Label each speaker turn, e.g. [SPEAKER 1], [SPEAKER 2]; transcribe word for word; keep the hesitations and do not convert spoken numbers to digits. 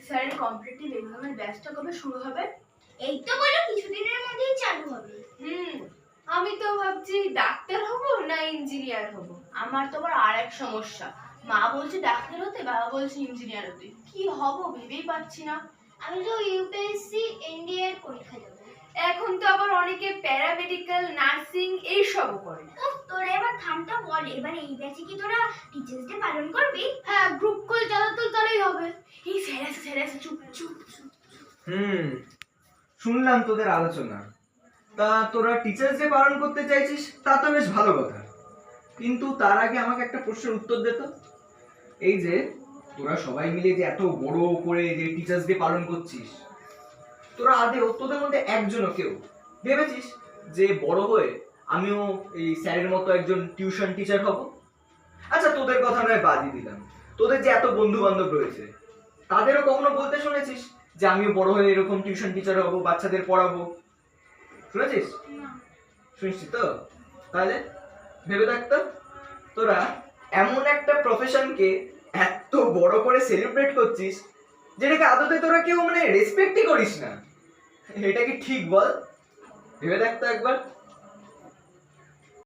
[SPEAKER 1] স্যারের কম্পিটিটিভ এক্সামের ব্যাচটা কবে শুরু হবে?
[SPEAKER 2] এই তো বলো কিছুদিনের মধ্যেই চালু হবে।
[SPEAKER 1] হুম আমি তো ভাবছি ডাক্তার হব না ইঞ্জিনিয়ার হব। আমার তো আবার আর এক সমস্যা, মা বলছে ডাক্তার হতে, বাবা বলছে ইঞ্জিনিয়ার হতে, কি হব ভেবেই পাচ্ছি না।
[SPEAKER 2] আমি তো ইউপিএসসি এনডিএ এর পরীক্ষা দেবো।
[SPEAKER 1] এখন তো আবার অনেকে প্যারামেডিক্যাল, নার্সিং এইসবও করে।
[SPEAKER 2] উফ, তোরা এবার থামটা বল, এবার এই ব্যাচে কি তোরা টিচার্স ডে পালন করবি?
[SPEAKER 1] হ্যাঁ, গ্রুপ কল চালা তো তাহলেই হবে। এই স্যার আছে স্যার আছে, চুপ চুপ চুপ।
[SPEAKER 3] হুম শুনলাম তোদের আলোচনা। তা তোরা টিচার্স ডে পালন করতে চাইছিস, তা তো বেশ ভালো কথা, কিন্তু তার আগে আমাকে একটা প্রশ্নের উত্তর দে তো। এই যে তোরা সবাই মিলে যে এত বড় করে যে টিচার্স ডে পালন করছিস, তোরা আদেও তোদের মধ্যে একজনও কেউ ভেবেছিস যে বড় হয়ে আমিও এই স্যারের মতো একজন টিউশন টিচার হব? আচ্ছা তোদের কথা নয় বাদই দিলাম, তোদের যে এত বন্ধু বান্ধব রয়েছে তাদেরও কখনো বলতে শুনেছিস যে আমিও বড় হয়ে এরকম টিউশন টিচার হব, বাচ্চাদের পড়াবো? শুনেছিস? শুনছিস তো? তাহলে ভেবে দেখতো, তোরা এমন একটা প্রফেশনকে এত বড় করে সেলিব্রেট করছিস যেটাকে আদতে তোরা কেউ মানে রেসপেক্টই করিস না। এটা কি ঠিক বল? ভেবে দেখতো একবার।